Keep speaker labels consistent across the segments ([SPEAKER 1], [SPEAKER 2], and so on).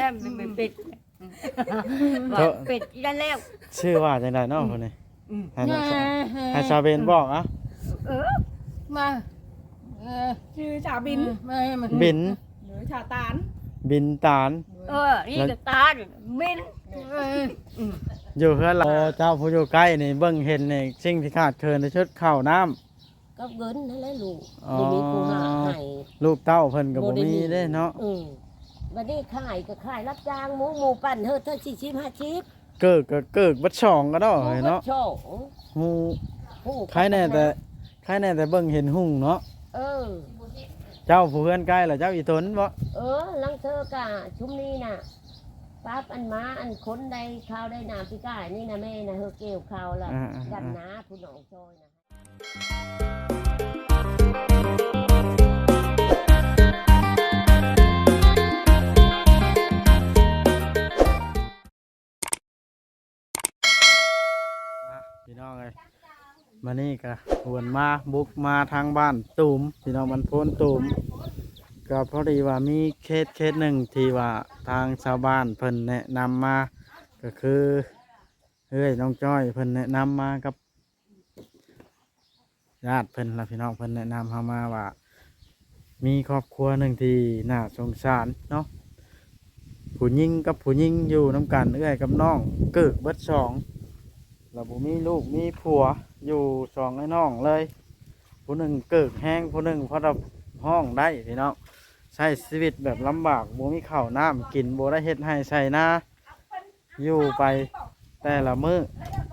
[SPEAKER 1] เป็นเป็ดว่าเป็ดนั่นแล้ว
[SPEAKER 2] ชื่อว่าจังได๋เนาะคนนี้ให้ชาวเบนบอกอ่ะ
[SPEAKER 1] มา
[SPEAKER 3] ชื่อชาบิน
[SPEAKER 2] บิน
[SPEAKER 3] หรือชาตาน
[SPEAKER 2] บินตาล
[SPEAKER 1] นี่ก็ตามิน
[SPEAKER 2] อยู่เฮือนเราเจ้าผู้อยู่ใกล้นี่เบิ่งเห็นนี่สิ่งที่ขาดเคินในชุดข้าวน้ำ
[SPEAKER 4] ก็เงินนั่นแหละลูกบ่มีผู้หาให้
[SPEAKER 2] ลูกเต้าเพิ่นก็บ่มีเด้เนาะ
[SPEAKER 4] บัดนี้ขายก็ขายรับจ้างหมูปั่นเฮ็ดเท่า40 50
[SPEAKER 2] เกิกก็เกิกบัดช่องก็ดอกเนาะ
[SPEAKER 4] โชว์
[SPEAKER 2] ฮู้ใครแน่แต่เบิ่งเห็นหุ่งเนาะ
[SPEAKER 4] เออ
[SPEAKER 2] เจ้าผู้เฮือนใกล้ล่ะเจ้าอีตนบ่
[SPEAKER 4] ลังเธอกะชุมนี้น่ะปั๊บอันม้าอันคนได้ข้าวได้น้ำพี่ก้านี่นะแม่นะเฮอเกี่ยวข้าวละกันนะผู้น้องซอยนะ
[SPEAKER 2] พี่น้องเอ้ยมานี่ก็หวนมาบุกมาทางบ้านตูมพี่น้องมันโพนตูมก็พอดีว่ามีเคสหนึ่งที่ว่าทางชาวบ้านเพิ่นแนะนำมาก็คือเฮ้ยน้องจ้อยเพิ่นแนะนำมากับญาติเพิ่นและพี่น้องเพิ่นแนะนำเฮามาว่ามีครอบครัวหนึ่งที่น่าสงสารเนาะผู้หญิงกับผู้หญิงอยู่น้ำกันเอื้อยกับน้องเกิดเบิดสองแล้วบ่มีลูกมีผัวอยู่สองไอ้น้องเลยผู้หนึ่งเกิดแห้งผู้หนึ่งพอดับห้องได้พี่น้องใช้ชีวิตแบบลำบากบ่มีข้าวน้ำกินบ่ได้เฮ็ดให้ใส่นาอยู่ไปแต่ละมื้อ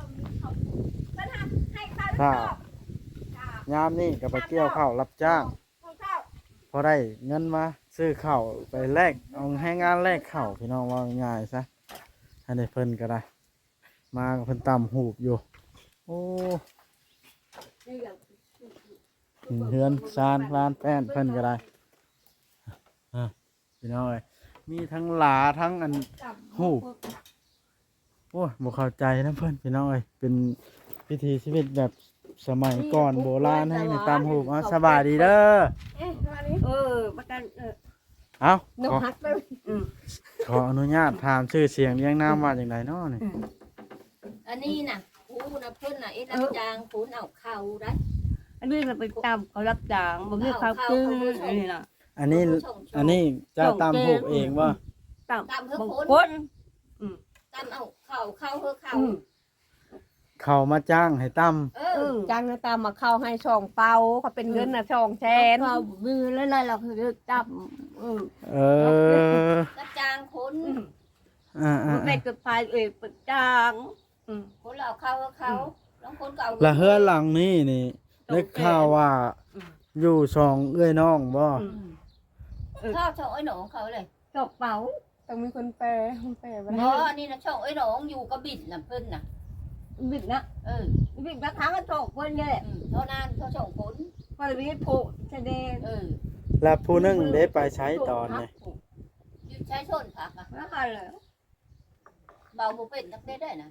[SPEAKER 2] ถ้ายามนี้ก็ไปเกี่ยวข้าวรับจ้างพอได้เงินมาซื้อข้าวไปแลกเอาให้งานแลกข้าวพี่น้องว่าง่ายซะให้ได้เพิ่นก็ได้มาเพิ่นตำหูบอยู่โอ้เฮือนซานลานแป้นเพิ่นก็ได้พี่น้องเอ้ยมีทั้งหลาทั้งอันหูบโอ้บ่เข้าใจนะเพิ่นพี่น้องเอ้ยเป็นพิธีชีวิตแบบสมัยก่อนโบราณให้ในตามหูบสบายดีเด้อ
[SPEAKER 1] ประกัน
[SPEAKER 2] เอา
[SPEAKER 3] นกฮักไป
[SPEAKER 2] ขออนุญาตถามชื่อเสียงเรียงนามว่าอย่างไรเนาะนี่
[SPEAKER 4] อันนี้น่ะผู้น่ะเพิ่นน่ะรับจ้างผู้เอาข้าวได้
[SPEAKER 1] อันนี้มันเป็นตามเขารับจ้างบ่มีข้าวกินอันนี้น่ะ
[SPEAKER 2] อันนี้เจ้าตามหูบเองว่า
[SPEAKER 1] ตาม
[SPEAKER 4] เฮือ
[SPEAKER 1] บ่
[SPEAKER 4] คน
[SPEAKER 1] คน
[SPEAKER 4] ตามเอาข้าวเฮือข้าว
[SPEAKER 2] เขามาจ้างให้ตั้ม
[SPEAKER 3] จ้างนะตามมาเข้าให้ช่องเป่าเขาเป็นเงินน่ะช่องแทน
[SPEAKER 1] ข้าวมีแล้วนั่นเราคือจับ
[SPEAKER 4] รับจ้างคน
[SPEAKER 1] แม่ก็พายประจ้าง
[SPEAKER 4] คนเราข้าวเฮือข้าวแล้วคนก็เอา
[SPEAKER 2] ละเฮือนหลังนี้นี่ได้ข่าวว่าอยู่สองเอื้อยน้องบ่
[SPEAKER 4] ข้าวช่องไอ้หนองเขาเลย
[SPEAKER 1] จบเป๋า
[SPEAKER 3] ต้องมีคนแปลบ่
[SPEAKER 4] เพราะอันนี้นะช่องไอ้หนองอยู่กับบิดน่ะเพิ่นน่ะ
[SPEAKER 1] บิดนะบิดบางครั้งก็โตเพิ่นนี่แหละ
[SPEAKER 4] เท่านั้นเท่าช่องคน
[SPEAKER 1] พอมีโผแสดง
[SPEAKER 2] แล้วผู้หนึงได้ไปใช้ตอนนี่
[SPEAKER 4] อยู่ใช้ชนผักอ่ะ
[SPEAKER 1] แล้วกันเลย
[SPEAKER 4] เบาบ่เป็นนักได้นะ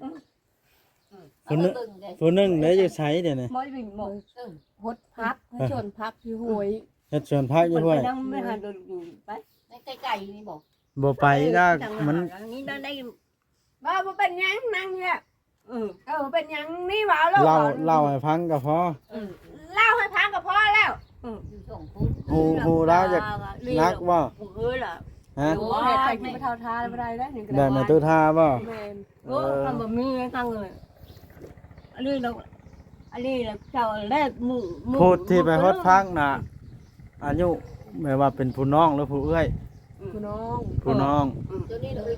[SPEAKER 2] ผู้หนึงได้อยู่ใช้เดี๋ยวนี้
[SPEAKER 1] ไม่บินหมด
[SPEAKER 3] ฮดพักให้ชนพักอยู่หวย
[SPEAKER 2] เฮ็ดสวนพักอยู่ห้วย
[SPEAKER 1] นั่งไม่หันโดนอยู่ไป
[SPEAKER 4] ในไก่นี่บอก
[SPEAKER 2] บ่ไปก็มัน
[SPEAKER 1] นี่ได้
[SPEAKER 3] ว่าบ่เป็นหยังนั่งเนี่ยเป็นหยังนี่ว่าแล้ว
[SPEAKER 2] เล่าให้ฟังก็พอ
[SPEAKER 3] เล่าให้พังก็พอแล้ว
[SPEAKER 4] อยู่ช่องคน
[SPEAKER 2] ฮูแล้วจะนักบ่
[SPEAKER 1] เออล่ะ
[SPEAKER 2] ฮะ
[SPEAKER 3] โอ้ยไปกินไปเท่าทานบ่ได้แล้ว
[SPEAKER 2] ได้มาตู้ท่าบ่
[SPEAKER 3] แม่น
[SPEAKER 1] โอ้ทำแบบนี้ทั้งเลยอันนี้เราเจ้าแรกหมู่
[SPEAKER 2] พูดที่ไปฮอดพักน่ะอายุแม่ว่าเป็นผู้น้องหรือผู้เอื้อย
[SPEAKER 3] คุณน้อง
[SPEAKER 2] ผู้น้อง
[SPEAKER 4] ตัวนี้เลย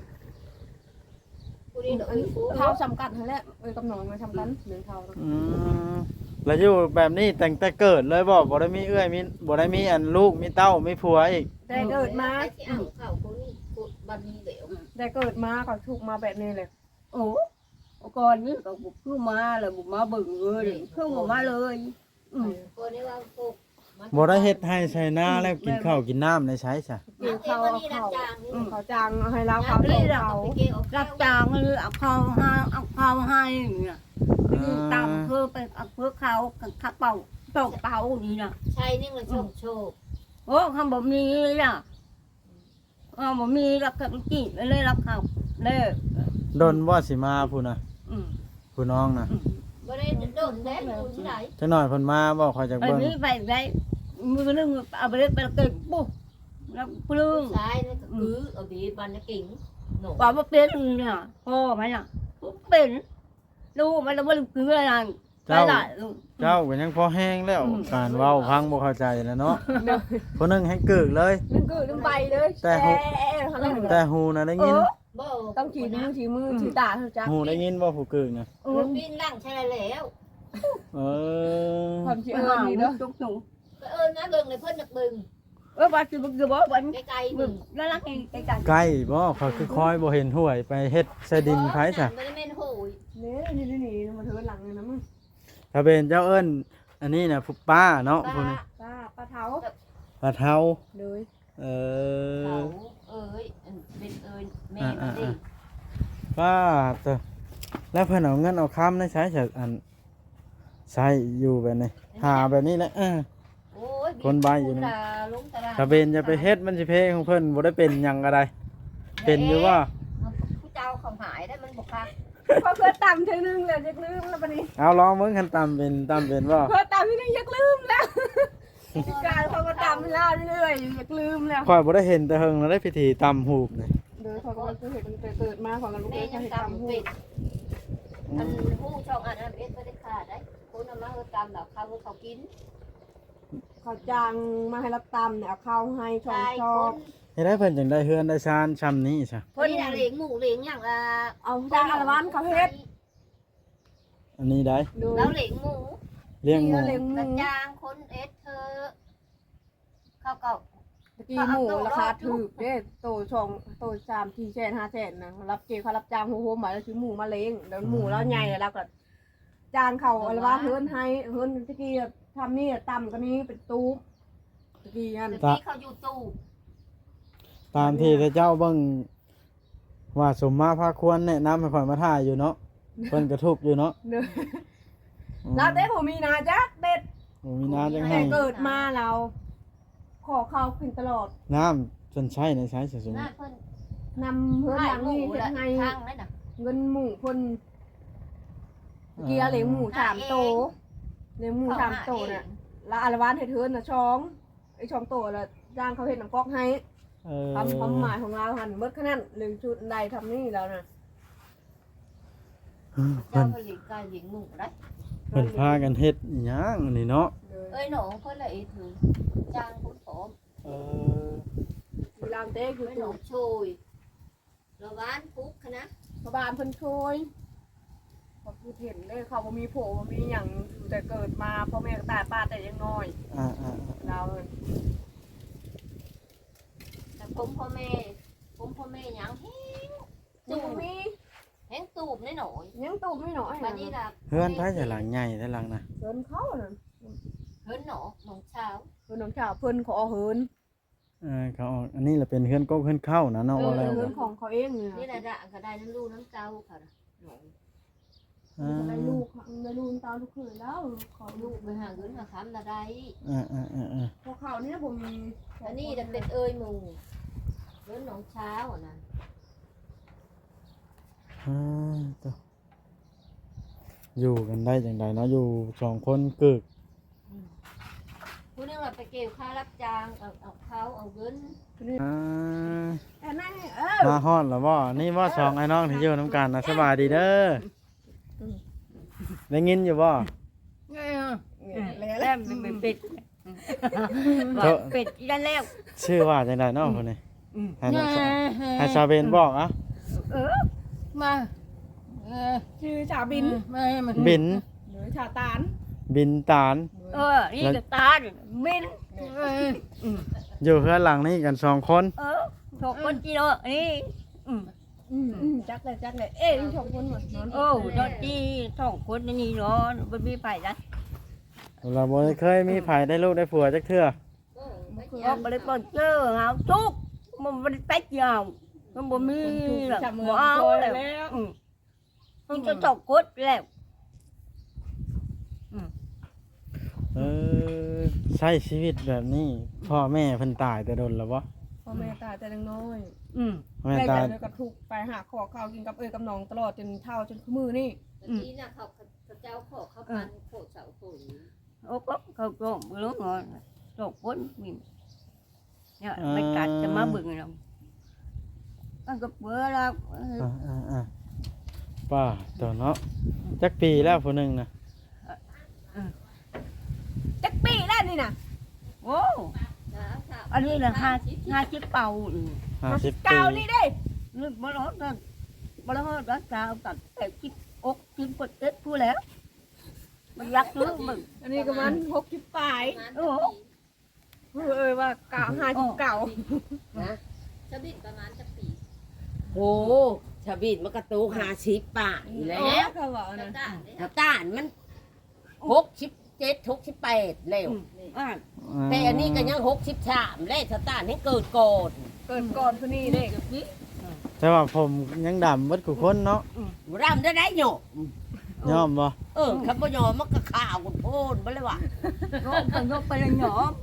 [SPEAKER 4] ผู้นี้เลยผู้
[SPEAKER 3] เท่าจำกัดนั่นแหละกับน้องมาทำกันหนึ่งเท่า
[SPEAKER 2] แล้วอยู่แบบนี้แต่งแต่เกิดเลยบ่ได้มีเอื้อยมีบ่ได้มีอันลูกมีเต้ามีผัวอีก
[SPEAKER 3] ได้เกิดมา
[SPEAKER 4] ที่เอาข้าวคนนี้บันนี้เหลว
[SPEAKER 3] ได้เกิดมาก็ถูกมาแบบนี้เลย
[SPEAKER 1] โอ้ก่อนนี้ก็บุกขึ้นมาเลยบุกมาบึ่งเลยขึ้นมาเลย
[SPEAKER 4] คนนี้ว่าพวก
[SPEAKER 2] บ่ได้เฮ็ดให้ใช้หน้าแล้วกินข้าวกินน้ำในใช้ซะ
[SPEAKER 3] กินข้าว
[SPEAKER 4] นี่รับจ้าง
[SPEAKER 3] เขาจังให้เราเขา
[SPEAKER 1] นี่เรา
[SPEAKER 3] เขา
[SPEAKER 1] รับจ้างเลยเอาข้าวให้เนี่ยตามเพื่อไปเอาเพื่อเขาขับเป่าตกเป่านี่นะ
[SPEAKER 4] ใช่นี่มันโชค
[SPEAKER 1] โอ้คำแบบนี้น่ะบ่มีรักกับจีเลยรักเขาเด้อ
[SPEAKER 2] ดนบ่สิมาผู้น่ะ
[SPEAKER 1] อืม
[SPEAKER 2] ผู้น้องน่ะ
[SPEAKER 4] บ่ได้โดนแล้อยู่ที่ไหน
[SPEAKER 2] จักหน่อยเพิ่นมาบ่คอยจัก
[SPEAKER 1] อัน
[SPEAKER 2] เบิ่ง
[SPEAKER 1] นี้ไปได้มือนึงเอาไปไปเก็บปุ๊บแล้วปลื้ม
[SPEAKER 4] ซ้ายนั่นก็คือเอาบีบันนะกิ่งหนู
[SPEAKER 1] ว่าบ่เป็นเนี่ยพ่อมันน่ะเป็นลูกมันบ่คืออะไรไปได้ลูก
[SPEAKER 2] เจ้าก็ยังพอแห้งแล้ว
[SPEAKER 1] อืม
[SPEAKER 2] การเว้าพังบ่เข้าใจแล้วเนาะผู้หนึงให้กึกเลย
[SPEAKER 3] นึงคือนึงใบเลย
[SPEAKER 2] แต่ แต่หูน่ะได้ยิน
[SPEAKER 4] บ่
[SPEAKER 3] ต้องฉีดมือฉีดมือฉีดตาเท่าจัก
[SPEAKER 2] หูได้ยินบ่ผู้กึกน่ะ
[SPEAKER 4] มันปีนล่างใช่แล้ว
[SPEAKER 2] เออ
[SPEAKER 3] ความฉีดเอิญนี่เด้อ
[SPEAKER 1] จุกจุก
[SPEAKER 4] ก็เอิ้นนะเบิ่งเลยเพิ่นนักเบิ่ง
[SPEAKER 1] ว่าสิบ่บ่บ่
[SPEAKER 4] ไกลๆ
[SPEAKER 1] มึ
[SPEAKER 4] มึ
[SPEAKER 1] ง
[SPEAKER 4] ง
[SPEAKER 1] แล้วรักไอ้กัน
[SPEAKER 2] ใกล้บ่เขาคือคอยบ่เห็นห้วยไปเฮ็ดใส่ดินไผซะ
[SPEAKER 4] บ่ได้แม่นโหย
[SPEAKER 3] นี่นี่มาเทินหลังเลยนะมึง
[SPEAKER 2] ถ้าเป็นเจ้าเอิ้นอันนี้น่ะผู้ป้าเนาะผู้นี้
[SPEAKER 3] ป้าเท้า
[SPEAKER 2] ปลาเทา
[SPEAKER 3] เลย
[SPEAKER 2] เอ
[SPEAKER 4] เขา
[SPEAKER 2] อ
[SPEAKER 4] เอ้ยเป็นเอ้ยแม่มันดิ
[SPEAKER 2] ป้าเตอแล้วเพิ่นเอาเงินเอาค้ำในใช้ฉันอันใช้อยู่แบบนี้หาแบบนี้แหละ
[SPEAKER 4] โอ้ย
[SPEAKER 2] คนใบอยู่นี่
[SPEAKER 4] ลุงตลาด
[SPEAKER 2] ถ้าเป็นจะไปเฮ็ดมันสิเพของเพิ่นบ่ได้เป็นหยังก็ได้เป็นอยู่ว่า
[SPEAKER 4] ผู้เจ้าเขาหายได้มันบ่คัก
[SPEAKER 3] พอเพื่อต่ำทีนึงเลยยักลืมแล้วปะนี้
[SPEAKER 2] เอาลองเบิ่งคันตำเป็นบ่
[SPEAKER 3] เพื่อต่ำทีนึงยักลืมแล้วการเขาก็ต่ำเล่าเรื่อยๆยักลืมแล้ว
[SPEAKER 2] ข่อยบ่ได้เห็นแต่เฮิงแล้วได้พิธีตำหูบนี่
[SPEAKER 3] เดี๋ยวเขาก็เห็นเกิดมาของกันลูก
[SPEAKER 4] แม่
[SPEAKER 3] เอ้ย
[SPEAKER 4] ยัง
[SPEAKER 3] เห็น
[SPEAKER 4] ตำ
[SPEAKER 3] ต่ำหู
[SPEAKER 4] เป็ดอันผู้ช่องอันนั้นเอ็ดบ่ได้ขาดได้คนเอามาเฮาตำแล้วเขากิน
[SPEAKER 3] เขาจางมาให้รับต่ำเนี่ยเอาข้าวให้ชอบชอบ
[SPEAKER 2] เฮ็ดให้เพิ่นจังได้เฮือนได้ชานชำนี้ซะ
[SPEAKER 4] เพิ่นน่ะเลี้ยงหมูเลี้ยงหยังล่ะ
[SPEAKER 3] เอาจางอารวันเขาเฮ็ด
[SPEAKER 2] อันนี้ได้
[SPEAKER 3] ดู
[SPEAKER 4] แล้วเลี้ยงหมู
[SPEAKER 2] เลี้ยงหมู
[SPEAKER 3] เลี้ยงห
[SPEAKER 4] กระ
[SPEAKER 3] มู
[SPEAKER 4] จางคนเอ็ดเธอเขาก็
[SPEAKER 3] ตะกี้หมูราคาถูกเด้โตช่องโต3-4 แสน5 แสนนะรับเกเขารับจ้างโฮมมาแล้วซื้อหมูมาเลี้ยงแล้วหมูแล้วใหญ่แล้วก็จางเขาอารวันเฮินให้เฮินตะกี้ทำนี่ต่ำกว่านี้เป็นตู้ตะกี้อัน
[SPEAKER 4] ตะกี้เขาอยู่ตู้
[SPEAKER 2] ตามที่เจ้าเบิ่งว่าสมมาพาควรแนะนำให้ข่อยมาถ่ายอยู่เนาะเพิ่นก็ทุกข์อยู่เนาะ
[SPEAKER 3] เนอะแล้วเต้ผมมีนาจักเด็ด
[SPEAKER 2] โอ้มีน้ำจัง
[SPEAKER 3] แต่
[SPEAKER 2] ให้
[SPEAKER 3] เกิดมาเราขอข้าวกินตลอด
[SPEAKER 2] น้ำจนใช้ในใช้เสียสม
[SPEAKER 4] หน้าเพิ่น
[SPEAKER 3] นำเพื่อน
[SPEAKER 4] ให้
[SPEAKER 3] หลัง
[SPEAKER 4] หมู
[SPEAKER 3] นี่เฮ็
[SPEAKER 4] ละ
[SPEAKER 3] ดให้
[SPEAKER 4] ข้างนั่นน่ะ
[SPEAKER 3] เงินหมูคนเกียร์เลี้ยงหมู3 โตเลี้ยงหมู3 โตน่ะแล้วอารวานให้เทินน่ะช่องไอ้ช่องโตแล้วจ้างเขาเฮ็ดน้ำก๊อกให้
[SPEAKER 2] เออ
[SPEAKER 3] ทำความหมายของเราหันเบิดขนาดเรื่องชุดใดทำนี่แล้วนะ
[SPEAKER 4] เจ้า
[SPEAKER 2] เพิ่น
[SPEAKER 4] เพิ่นเลี้ยงไก่เลี้ยงหมูได้
[SPEAKER 2] เพิ่นพากันเฮ็ดอิหยังอันนี้เนาะ
[SPEAKER 4] เอ้ยหนูเพิ่นละเอ็ดถือจ้างคนผอม
[SPEAKER 2] เออ
[SPEAKER 3] มีรามเต้คือ
[SPEAKER 4] เอ้ยห
[SPEAKER 3] ตู
[SPEAKER 4] นูช่วยระวานปุ๊กนะ
[SPEAKER 3] พระบาลเพิ่นช่วยพอพูดเห็นเลยเขาบ่มีโผบ่มีหยังอยู่แต่เกิดมาพ่อแม่ก็ตายป้าแต่ยังน้อย
[SPEAKER 2] อ่า
[SPEAKER 3] เรา
[SPEAKER 4] แต่ผมพ่อแม่หยังแฮง
[SPEAKER 3] ตูมี
[SPEAKER 4] แฮงตูบแน่หน่อย
[SPEAKER 3] ยังตูไม่น้อย
[SPEAKER 4] บัดนี้ล่ะ
[SPEAKER 2] เฮือนไผจะหลังใหญ่แต่หลังน่ะ
[SPEAKER 3] เพิ่นเขาน่ะ
[SPEAKER 4] เพิ่นหนอหนองเช้า
[SPEAKER 3] เพิ่นน้องชาวเพิ่นขอเฮิน
[SPEAKER 2] เขาออกอันนี้แหละเป็นเฮือนก๊กเฮือนเข้านะเนาะว่าแล้ว
[SPEAKER 3] เฮิ
[SPEAKER 2] ก็
[SPEAKER 3] นของเขาเองเนี่ย
[SPEAKER 4] นี่แหละด่ะก็ได้น้ำลูกน้ำเจ้าค่ะหนู
[SPEAKER 3] ได้ลูกได้ลูกตาลูกเขยแล้วขอลู
[SPEAKER 4] ลู
[SPEAKER 3] ก
[SPEAKER 4] กไปหาเงินหาคำละได้
[SPEAKER 2] อ่า
[SPEAKER 3] พวกเขานี่บ่มี
[SPEAKER 4] อันนี้จะเป็นเอ้ยหมูเพิ่นหนองเช้าอ่ะนะ
[SPEAKER 2] ตัวอยู่กันได้จังไดเนาะอยู่สองคนกึก
[SPEAKER 4] ผู้นึงเราไปเกี่ยวค่ารับจ้างเอาเขาเอาเงิน
[SPEAKER 3] แต่นั่น
[SPEAKER 2] มาฮอดแล้วบ่นี่บ่สองไอ้น้องที่อยู่นํกันนะสบายดีเด้อได้ยินอยู่บ่
[SPEAKER 1] แล้วมันเป็ดเป็ดได้แล้ว
[SPEAKER 2] ชื่อว่าจังไดเนาะคนนี้ให้ชาวเบนบอกอ่ะ
[SPEAKER 1] มา
[SPEAKER 3] ชื่อชาบิน
[SPEAKER 2] บิน
[SPEAKER 3] หรือชาตาน
[SPEAKER 2] บินตาล
[SPEAKER 1] นี่ก็ตามิน
[SPEAKER 2] อยู่เฮือนหลังนี้กันสองคน
[SPEAKER 1] ถกคนจีโร่นี่
[SPEAKER 3] จักเลยเอ๊ะชมคนหมดนอน
[SPEAKER 1] โอ้ดอจีสองคนนี่เนาะมันมีไผ่นะ
[SPEAKER 2] เราบ่ได้เคยมีไผได้ลูกได้ผัวจักเทื่อ
[SPEAKER 1] ออกไปเลยเปิดเจอหาทุกมันไม่ได้แป๊กยาวมันบ่มีหรอก
[SPEAKER 3] จับมือ
[SPEAKER 1] บ่เอา
[SPEAKER 3] แล้
[SPEAKER 1] แล้ว วมันจะตกกดแล้ว
[SPEAKER 2] ใช้ชีวิตแบบนี้พ่อแม่เพิ่นตายแต่โดนแล้วบ่
[SPEAKER 1] พ่อ
[SPEAKER 3] อแม่ตายแต่ยังน้อย
[SPEAKER 2] แม่
[SPEAKER 3] ได้
[SPEAKER 2] ตาย
[SPEAKER 3] แต่ก็ถูกไปหาขอข้าวกินกับกับน้องตลอดจนเฒ่าจนมือนี่
[SPEAKER 5] นี่นะเขาเจ้าขอเขาปันโคเสาโค
[SPEAKER 1] โอ้ก็เขาโกงรู้งอนโจกพ้นมีเนี่ยไม่กัดจะมาบึงเราตั้งกับเบื่อแล้ว
[SPEAKER 2] ป้าตัวเนาะจักปีแล้วผู้หนึงนะ
[SPEAKER 3] จักปีแล้วนี่น่ะ
[SPEAKER 1] โอ้อันนี้นะห้าชิปเป่า
[SPEAKER 2] 50
[SPEAKER 3] เก่า
[SPEAKER 2] ปี
[SPEAKER 3] นี่เด้
[SPEAKER 1] นี่บล้อนั่นบล้อรักษาตัดแต่ชิปอกชิปปดเต็ดผู้แล้วมันรักเรื่องมึง
[SPEAKER 3] อันนี้ก็มัน60ปลาย
[SPEAKER 1] โอ้
[SPEAKER 3] ว่าเก่า50เก่า
[SPEAKER 4] นะ
[SPEAKER 5] จะบินประมาณจะปี
[SPEAKER 4] โอ้ชาบิดมันกระตู50 ป่ายแล้ว
[SPEAKER 3] เขาบอก
[SPEAKER 5] จะ
[SPEAKER 3] นะ
[SPEAKER 5] ได้เลย
[SPEAKER 4] ถ้าต้านมัน67 68แล้วแต่อันนี้ก็ยัง63แล้วถ้าต้านให้เกิดก่อน
[SPEAKER 3] เกิดก่อนผู้นี้เด้
[SPEAKER 2] แต่ว่าผมยังดำเบิดกูคนเนาะ
[SPEAKER 4] รำได้หยก
[SPEAKER 2] ยอมบ่
[SPEAKER 4] ครับบ่ยอมมันก็ข่าวกันโพนบ่เลยว่ะ
[SPEAKER 1] ยกไปเลยหยอม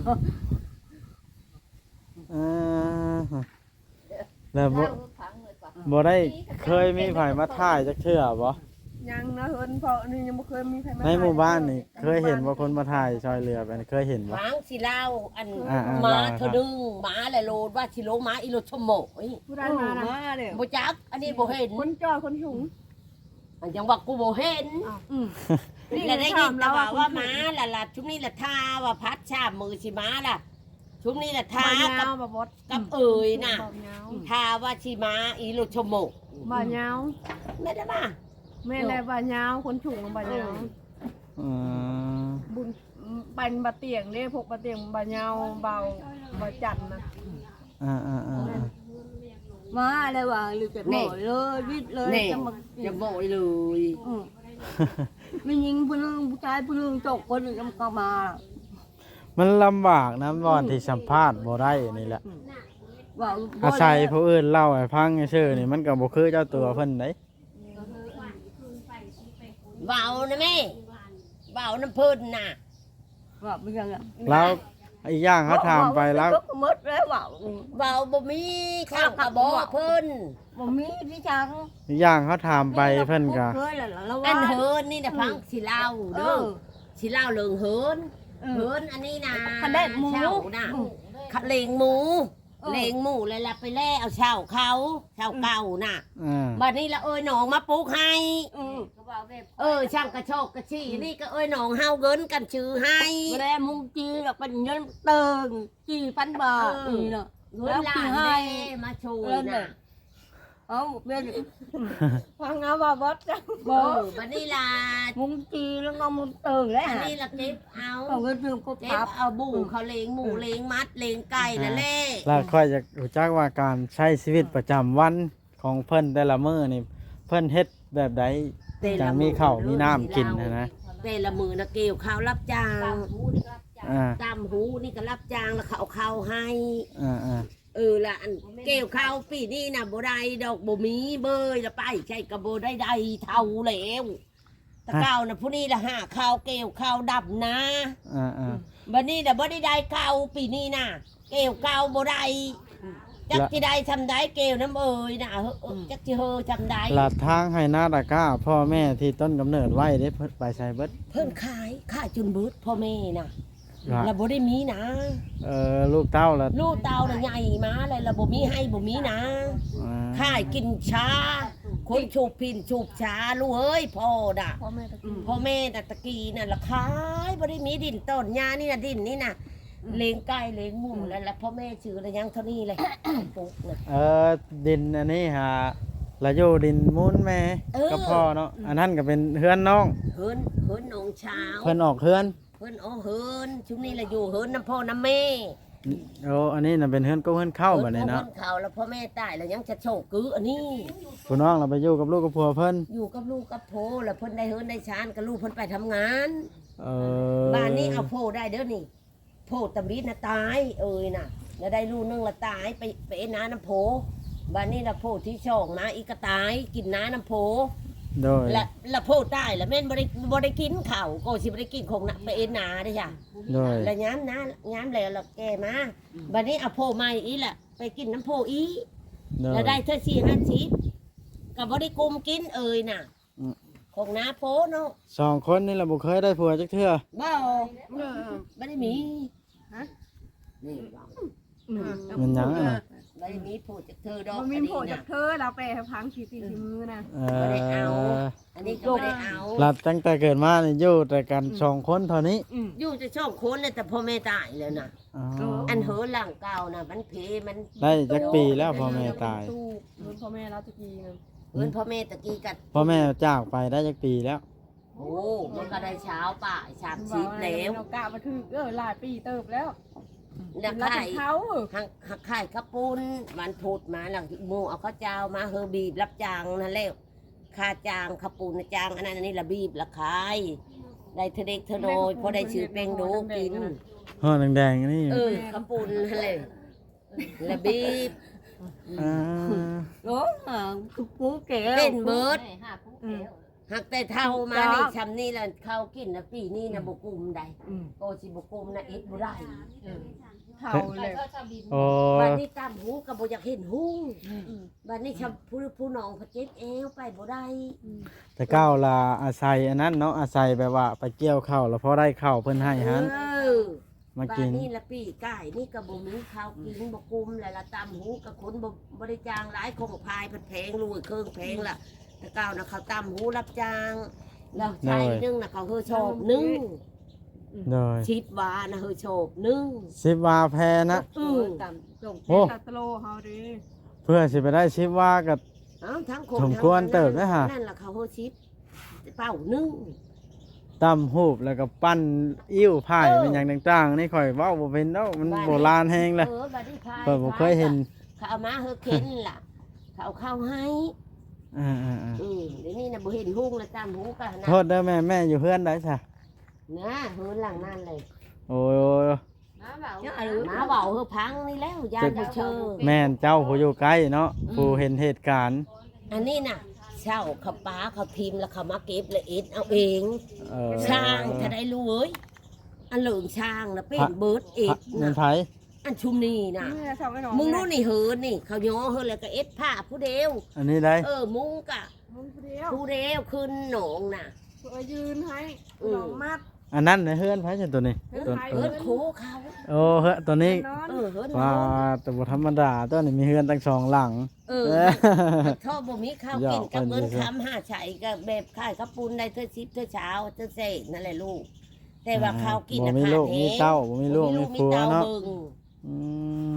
[SPEAKER 2] แล้วบ่ได้เคยมีไผมาถ่ายจักเทื่อบ่
[SPEAKER 3] ยังนะเฮินเพราะนี่ยังบ่เคยมีใครมา
[SPEAKER 2] ในหมู่บ้านนี่เคยเห็นว่าคนมาถ่ายซอยเรือไปนี่เคยเห็นบ่
[SPEAKER 4] หางสิเล่าอัน
[SPEAKER 2] อ่าๆ
[SPEAKER 4] หมา
[SPEAKER 2] เล่าครับ
[SPEAKER 4] เธอดึงหมาแหละโลดว่าสิโลหมาอีโลชโมย
[SPEAKER 3] ผู้ใดมานะ
[SPEAKER 1] มาเลย
[SPEAKER 4] บ่จักอันนี้บ่เห็น
[SPEAKER 3] คนจอยคนหุง
[SPEAKER 4] อันยังว่ากูบ่เห็น
[SPEAKER 3] นี่
[SPEAKER 4] แล้วได้ยินแต่ว่า
[SPEAKER 3] คน
[SPEAKER 4] ว่า
[SPEAKER 3] หุง
[SPEAKER 4] หมาล่ะชุมนี้ล่ะทาว่าพัดชาบมือสิหมาล่ะชุมนี้ล่ะทา
[SPEAKER 3] บ่
[SPEAKER 4] กั
[SPEAKER 3] ยา
[SPEAKER 4] บ
[SPEAKER 3] วบ่บด
[SPEAKER 4] กับเอ่ยน่ะ
[SPEAKER 3] บ่ยาว
[SPEAKER 4] ทาว่าสิหมาอีโลชโม
[SPEAKER 3] บ่ยาว
[SPEAKER 4] ไม่ได้มา
[SPEAKER 3] แม่แลบ่ยาวคนฉุงบ่ยาว
[SPEAKER 2] อืม
[SPEAKER 3] บุญปันบะเตียงเด้พวกบะเตียงบ่ยาวเบาบ่จันนะ
[SPEAKER 1] มาเลยว่ะหรือจะหน่อยเลยวิทย์เลย
[SPEAKER 4] นี่
[SPEAKER 1] จะมา
[SPEAKER 4] จะโบยเลย
[SPEAKER 1] ไม่ยิงผู้นึงผู้ชายผู้นึงจกคนหนึ่งก็มา
[SPEAKER 2] มันลำบากนะบ่อนที่สัมภาษณ์บ่ได้นี่แหละ
[SPEAKER 1] ว่า
[SPEAKER 2] อาศัยผู้อื่นเล่าให้ฟังซื่อๆนี่มันก็บ่คือเจ้าตัวเพิ่นเด้
[SPEAKER 4] เบานะแม่เบาน้ำเพิ่นน่ะ
[SPEAKER 1] ว่าไม่ยังอ่ะ
[SPEAKER 2] แล้วอีกอย่างเขาถามไปแล้ว
[SPEAKER 1] ก็มดแล้วว่า
[SPEAKER 4] เบาบ่มีข้าวกระบอกเพิ่น
[SPEAKER 1] บ่มีพี่ช้าง
[SPEAKER 2] อีกอย่างเขาถามไปเพิ่นก็
[SPEAKER 1] เคยแล้วแล้ว
[SPEAKER 4] อั
[SPEAKER 1] ว่าน
[SPEAKER 4] เฮินนี่นะพังสิเล่าเด้อสิเล่าเรื่องเฮินเฮินอันนี้นะ
[SPEAKER 1] คันได้หมู
[SPEAKER 4] เช่าน่ะเลงหมูเลงหมูเลยละไปแล่เอาเช่าเขาเช่าเก่าน่ะ บัดนี้ละเอ้ยหนองมาปลูกให้
[SPEAKER 5] เขาบอกแบบ
[SPEAKER 4] ช่างกระโชกกระชี้นี่ก็เอ้ยหนองเฮาเงินกันชื่อให้
[SPEAKER 1] บ่ได้มุงจีแล้วเป็นเงินเติงจีพันบาทนี่เนาะ
[SPEAKER 4] เงินล้านเด้มาช่วยน่ะ
[SPEAKER 1] เอาเป็น
[SPEAKER 3] ฟังเอาบ่บดจ้ะ
[SPEAKER 4] บัดนี้ล่ะ
[SPEAKER 1] มุงจีแล้วก็มุงเติงแล้ว
[SPEAKER 4] อันนี้ละเก็บเอา
[SPEAKER 1] เอาเงินเติงก็
[SPEAKER 4] เก็
[SPEAKER 1] พั
[SPEAKER 4] บบ เอาบูเขาเลงหมูเลงมัดเลงไก่นั่นแหละ
[SPEAKER 2] แล้วค่อยจะรู้จักว่าการใช้ชีวิตประจำวันของเพิ่นแต่ละมื้อนี่เพิ่นเฮ็ดแบบใดจังมีข้าวมีน้ำกินนะ
[SPEAKER 4] แต่ละมือนะเกี่ยวข้าวรับจ้าง
[SPEAKER 5] หูนี่ก็จะ
[SPEAKER 4] ตามหูนี่ก็รับจ้างแล้วเขาเอาข้าวให้
[SPEAKER 2] อ่า
[SPEAKER 4] ละอันเกี่ยวข้าวปีนี้นะบ่ได้ดอกบ่มีเบยละไปใช่ก็บ่ได้ใดเท่าแล้วตะเก้านะผู้นี้ละหาข้าวเกี่ยวข้าวดับนะ บัดนี้น่ะบ่ได้ได้ข้าวปีนี้นะเกี่ยวข้าวบ่ได้จักสิได้ทำได้เกี่ยวน้ำเอ่ยน่ะจักสิเฮอทำได้
[SPEAKER 2] ๆลาดทางให้หน้าตะกร้าพ่อแม่ที่ต้นกำเนิดไว้ได้เพิ่นไปใช้เบิด
[SPEAKER 4] เพิ่นขายจนเบิดพ่อแม่น่ะแล้วบ่ได้มีนะ
[SPEAKER 2] ลูกเต้าละ
[SPEAKER 4] ลูกเตาน่ะใหญ่มาเลยแล้วบ่มีให้บ่มีนะขายกินชาคนชูบพินชูบชาลูกเอ้ยพ่อน่ะ
[SPEAKER 3] พ่อแม่ตะกี้
[SPEAKER 4] พ่อแม่น่ะตะกี้น่ะละขายบ่ได้มีดินต้นหญ้านี่น่ะดินนี่น่ะเลี้ยงไก่เลี้ยงหมูแล้วพ่อแม่ชื่ออะไรยังเท่านี้เลยปลูกน่ะ
[SPEAKER 2] ดินอันนี้หาละอยู่ดินมูลแม่กับพ่อเนาะอันนั้นก็เป็นเฮือนน้อง
[SPEAKER 4] เฮินหนองเช้า
[SPEAKER 2] เพิ่นออกเฮือน
[SPEAKER 4] เฮินเฮินช่วงนี้ละอยู่เฮินน้ำพ่อน้ำแม่
[SPEAKER 2] อันนี้น่ะเป็นเฮือนก็เฮือนเข้าบัดนี้เนาะ
[SPEAKER 4] เฮินเขาแล้วพ่อแม่ตายแล้วยังจะโชคกืออันนี้
[SPEAKER 2] ผู้น้องเราไปอยู่กับลูกกับผัวเพิ่น
[SPEAKER 4] อยู่กับลูกกับโพแล้วเพิ่นได้เฮินได้ชานกับลูกเพิ่นไปทำงาน
[SPEAKER 2] บ้
[SPEAKER 4] บ้านนี้เอาโพได้เด้อนี่โพตะบิดน่ะตายน่ะแล้วได้ลูกนึงละตายไปน้าน้ำโพบ้านนี้ละโพที่ช่องนะอีกก็ตายกินน้าน้ำโพ
[SPEAKER 2] โดย
[SPEAKER 4] ละโพดได้ละแม่นบ่ได้กินข้าวก็สิบ่ได้กินของน่ะไปเอ็นหนาเด้จ้ะ
[SPEAKER 2] โดย
[SPEAKER 4] แล้วย้ำนะย้ำแล้วเราแกมาบัดนี้เอาโพใหม่อีแหละไปกินน้ำโพอี
[SPEAKER 2] โดย
[SPEAKER 4] แล้วได้เท่า4-50ก็บ่ได้กุมกินเอ่ยน่ะ
[SPEAKER 2] อืม
[SPEAKER 4] ของน้าโพเนาะ
[SPEAKER 2] 2คนนี่ล่ะบ่เคยได้ผัวจักเทื่อ
[SPEAKER 4] บ่บ่ได้มีฮะนี่บ่
[SPEAKER 2] มันหยังอะนะ
[SPEAKER 4] บ่ได้มีโพจากเธอดอก
[SPEAKER 3] มันมี
[SPEAKER 4] อัน
[SPEAKER 3] โผ
[SPEAKER 4] นี้
[SPEAKER 3] ล่จาก
[SPEAKER 4] น่ะ
[SPEAKER 3] เธอเราไปให้พังสีตีสีมือนะ
[SPEAKER 4] บ่ได้เอา อันนี้ก็บ่ได้เอา
[SPEAKER 2] หลับตั้งแต่เกิดมานี่อยู่แต่กัน2คนเท่านี้
[SPEAKER 4] อยู่จะช่องคนเลยแต่พ่อแม่ตายแล้วน่ะ
[SPEAKER 2] อ๋อ
[SPEAKER 4] อันเหอหลังเก่าน่ะมันเพมัน
[SPEAKER 2] ได้จักปีแล้วพ่อแม่ตาย
[SPEAKER 3] ตู้เงินพ่อแม่เราตะกี้นะ
[SPEAKER 4] เงินพ่อแม่ตะกี้กัด
[SPEAKER 2] พ่อแม่จากไปได้จักปีแล้ว
[SPEAKER 4] โอ้มันก็ได้เช้าป่าย30
[SPEAKER 3] แล้
[SPEAKER 4] แล้ว
[SPEAKER 3] วกะมาถึงหลายปีเติบแล้ว
[SPEAKER 4] แล้ว
[SPEAKER 3] เรา
[SPEAKER 4] ไข่
[SPEAKER 3] เป็นเขา
[SPEAKER 4] หักไข่ข้าวปุ้นวันพุธมาหลังหมูเอาข้าวเจ้ามาเฮอบีบรับจ้างนั่นแหละค่าจ้างข้าวปุ้นจ้างอันนั้นอันนี้ละบีบละขายได้เทเด็กเทโนยพอได้ชื่อเป็งดูกิน
[SPEAKER 2] ห่อแดงๆนี่
[SPEAKER 4] ข้าวปุ้นนั่นแหละละบีบ
[SPEAKER 2] อ่า
[SPEAKER 1] โอ้คือปูเก๋
[SPEAKER 4] เป็นเบิร์ด
[SPEAKER 5] ห้าผู้แล้ว
[SPEAKER 4] หักแต่เท่ามานี่ชำนี่ละเข้ากินนะปีนี้นะบกุมได้โอสิบกุมนะอิดบุได้
[SPEAKER 3] เท่าเลย
[SPEAKER 2] โอ้
[SPEAKER 4] บัดนี้ตามหูกับบ่อยากเห็นหูบัดนี้ชำผู้น้องพระเจ็บเอวไปบ่ได้
[SPEAKER 2] แต่ก้าวล่ะอาศัยอันนั้นเนาะอาศัยแบบว่าไปเกี่ยวข้าวแล้วพอได้ข้าวเพิ่นให้หัน
[SPEAKER 4] เออ
[SPEAKER 2] มา
[SPEAKER 4] บ้า
[SPEAKER 2] กิ
[SPEAKER 4] น
[SPEAKER 2] น
[SPEAKER 4] นี่ละปีไก่นี่กระบ่มีข้าวกินบ่กุมแล้วละตำหูกับคนบ่ได้จ้างหลายคงพายเพิ่นแพงลุยเครื่องแพงล่ะแต่ก้าวนะเขาตำหูรับจ้างแล้วใช้นึงน่ะเขาเฮอโชบนึง
[SPEAKER 2] โดย
[SPEAKER 4] ชิดว่านะเฮอโชบนึง
[SPEAKER 2] 10วาแพนะ
[SPEAKER 3] ตามจง
[SPEAKER 2] โอ้
[SPEAKER 3] ตัดโลเฮาดิ
[SPEAKER 2] เพื่อสิไปได้10วากับ
[SPEAKER 4] เอ้าทั้งคน
[SPEAKER 2] สมควรเติบนะฮะ
[SPEAKER 4] นั่นล่ะเขาเฮอชิดเป้านึง
[SPEAKER 2] ตำหูบแล้วก็ปั้นอิ่วไผ่เป็นอย่างต่างๆนี่ข่อยเว้าบ่เป็นเนาะมันโบราณแฮงเลย
[SPEAKER 4] บัดนี้พาย
[SPEAKER 2] ข่อยบ่เคยเห็น
[SPEAKER 4] เขาเอามาเฮอเข็นล่ะเขาเอาข้าวให้
[SPEAKER 2] อ่า
[SPEAKER 4] เดี๋ยวนี้น่ะบ่เห็นหุ้งแล้วตำหูก็
[SPEAKER 2] ๆ
[SPEAKER 4] นะ
[SPEAKER 2] โทษเด้อแม่อยู่เพื่อนได้ซะ
[SPEAKER 4] นะเฮือนหลังนั่นเลย
[SPEAKER 2] โอ้ย
[SPEAKER 5] น้าเบา
[SPEAKER 4] หมาเบาเฮอพังนี่แล้วยายบ่เชื่อ
[SPEAKER 2] แม่นเจ้าผู้อยู่ใกล้เนาะผู้เห็นเหตุการณ์
[SPEAKER 4] อันนี้น่ะเช่าเขาป้าเขาพิมพ์แล้วเขามาเก็บละเอ็ดเอาเอง
[SPEAKER 2] เออ
[SPEAKER 4] ช่างถ้าได้รู้เอ้ยอันเหลืองช่างนะเป็นเบิร์ดเอ็ด
[SPEAKER 2] เงิน
[SPEAKER 4] นะ
[SPEAKER 2] ไผ
[SPEAKER 4] อันชุมนี่นะ
[SPEAKER 3] นี่ชาวไอ้หนอง
[SPEAKER 4] มึงรู้นี่เฮินนี่ เขาย้อเฮินแล้วก็เอ็ดผ้าผู้เดียว
[SPEAKER 2] อันนี้ได้
[SPEAKER 4] มุงกะ
[SPEAKER 3] มึงเดียว
[SPEAKER 4] ผู้เดียวขึ้นหนองน่ะ
[SPEAKER 3] ยืนให้หนองมัด
[SPEAKER 2] อันนั้นในเฮือนไผจังตัวนี้
[SPEAKER 3] เฮือน
[SPEAKER 2] ตัว
[SPEAKER 3] ไผ
[SPEAKER 4] เฮินโคเขา
[SPEAKER 2] โอ้เฮือนตัวนี้
[SPEAKER 3] นอน
[SPEAKER 4] เฮิน
[SPEAKER 2] ว่า
[SPEAKER 4] โค
[SPEAKER 2] แต่บ่ธรรมดาตัวนี้มีเฮือนตั้ง2หลัง
[SPEAKER 4] ท่อบ่มีข้าวกินกับเงินคำ5ไฉกับแบบขายข้าวปุ้นได้เท่าชิปเท่าเช้าเท่าเศษนั่นแหละลูก แต่ว่าข้าวกิน
[SPEAKER 2] บ่
[SPEAKER 4] น่ะ
[SPEAKER 2] มี
[SPEAKER 4] ขาด
[SPEAKER 2] ลูก
[SPEAKER 4] แฮ
[SPEAKER 2] มี
[SPEAKER 4] ง
[SPEAKER 2] เต้าบ่มีลูกมีผัวเนาะ
[SPEAKER 4] บิ่ง
[SPEAKER 2] อืม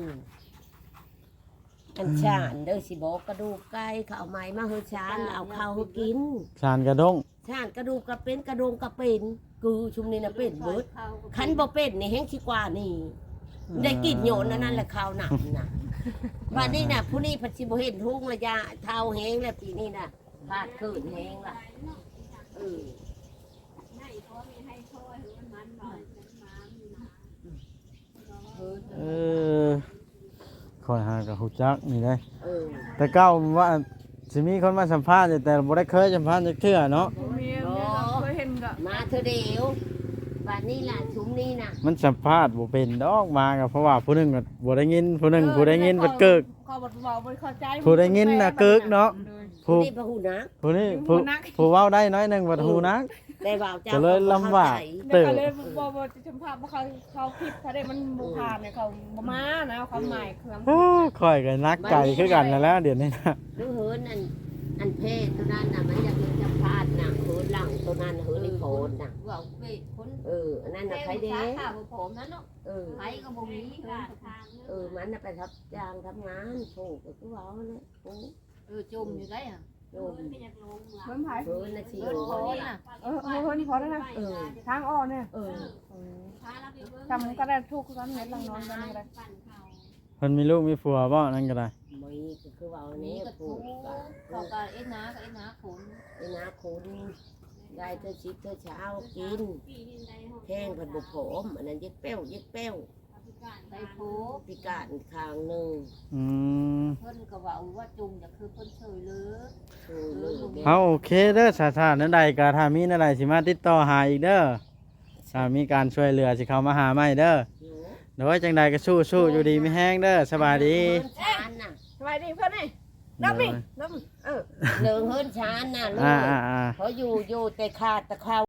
[SPEAKER 4] อันชานเด้อสิบอกกระดูกไก่เขาเอาไม้มาเฮอชานแล้วเอาข้าวให้กิน
[SPEAKER 2] ชานกระดง
[SPEAKER 4] ชานกระดูกก็เป็นกระดงก็เป็นกูชุมนี่นะเป็นเบิดคันบ่เป็นนี่แห้งสิกว่านี่ได้กินโยนนั่นแหละข้าวหนักน่ะวันนี้น่ะผู้นี้เพันสิบ่เห็นทุ่งระยะเท่าแห้งแล้วปีนี้น่ะพาดเกินแห้งล่ะเออ
[SPEAKER 2] เออคอยหากับฮู้จักนี่ได้
[SPEAKER 4] เออ
[SPEAKER 2] แต่เก้าว่าสิมีคนมาสัมภาษณ์อยู่แต่บ่ได้เคยสัมภาษณ์จักเทื่อเนาะ
[SPEAKER 3] เมียเคยเห็นกับ
[SPEAKER 4] มาเธอเดียววันนี้ล่ะชุมนี้น่ะ
[SPEAKER 2] มันสัมภาษณ์บ่เป็นดอกมาก็เพราะว่าผู้หนึงก็บ่ได้ยินผู้หนึงผู้ได้ยินเพิ่นเกิก
[SPEAKER 3] เขาบอกว่าบ่เข้าใจ
[SPEAKER 2] ผู้ได้ยินน่ะเกิกเนาะ
[SPEAKER 4] ผู้
[SPEAKER 2] ผู้
[SPEAKER 4] นี้พระหูนะ
[SPEAKER 2] ผู้นี้ผู้เว้าได้น้อยหนึงบ่ฮู้นัก
[SPEAKER 4] ได้บ่าวเจ้า
[SPEAKER 2] ก็เลยลำบาก
[SPEAKER 3] เด็กก็เลยบ่จะสัมภาษณ์ว่าเขาคิดเขาได้มันบ่ผ่านเนี่ยเขาบ่มานะความหมายเครื่อง
[SPEAKER 2] โอ้ข่อยก็นักไก่คือกันนั่นแหล้วเดี๋ยวนี้นะ
[SPEAKER 4] ดูเหินอันเพศตัวนั้นน่ะมันอยากเห็นจะพลาดน่ะเหินหลังตัวนั้นเหินในโคนน่ะ
[SPEAKER 5] ว่าไปคน
[SPEAKER 4] อันนั้นน่ะใครเด้
[SPEAKER 5] ข้าวผมนั่นเนาะ
[SPEAKER 4] เออ
[SPEAKER 5] ไปก็บ่มีเงินทาง
[SPEAKER 4] มันน่ะไปทับจ้างทำงานโผล่ก็คือว่าเนี่ยโอ้
[SPEAKER 5] จมอยู่ได้อ่ะ
[SPEAKER 4] โยม
[SPEAKER 3] เพิ่นไผ
[SPEAKER 4] เหินน่ะสิ
[SPEAKER 5] เงิน
[SPEAKER 4] โล
[SPEAKER 5] คนนี้น่ะ
[SPEAKER 3] เพิ่นพอแล้วนะ
[SPEAKER 4] เออ
[SPEAKER 3] ทางอ้อเนี่ย
[SPEAKER 4] เออ
[SPEAKER 3] จำก็ได้ทุกตอนเห็นหลังนอนกันก็ได้
[SPEAKER 2] เพิ่นมีลูกมีผัวบ่นั่นก็ได้
[SPEAKER 4] มีก็คือว่าอัน
[SPEAKER 5] นี่
[SPEAKER 4] นี้
[SPEAKER 5] ก็
[SPEAKER 4] ผู
[SPEAKER 5] ถู
[SPEAKER 4] ก
[SPEAKER 5] ก
[SPEAKER 4] กับ
[SPEAKER 5] เขาก็เอ็ดนาก็เอ็ดนาขน
[SPEAKER 4] ไอ้นาคุณได้เธอชิดเธอเช้ากินแข้งผัดบุกโผมอันนั้นเย็กเป้ว
[SPEAKER 5] ได้โผ
[SPEAKER 4] พิการข้างหนึ่ง
[SPEAKER 2] อืม
[SPEAKER 5] เพิ่นก็ว่าว่าจุงจะคือเพิ่นเฉยเลย
[SPEAKER 2] เอาโอเคเด้อสาธารณใดก็ถ้ามีอะไรสิมาติดต่อหาอีกเด้อถ้ามีการช่วยเหลือสิเข้ามาหาใหม่เด้อโดยจังใดก็สู้ๆอยู่ดีไม่แห้งเด้อสบายดี
[SPEAKER 4] ชานน่ะ
[SPEAKER 3] สบายดีเพื่อนนี่น้ำนี่น้ำ
[SPEAKER 4] เลิงเฮิรนชานน่ะลูก
[SPEAKER 2] อ่า
[SPEAKER 4] เขาอยู่แต่ขาดแต่เขา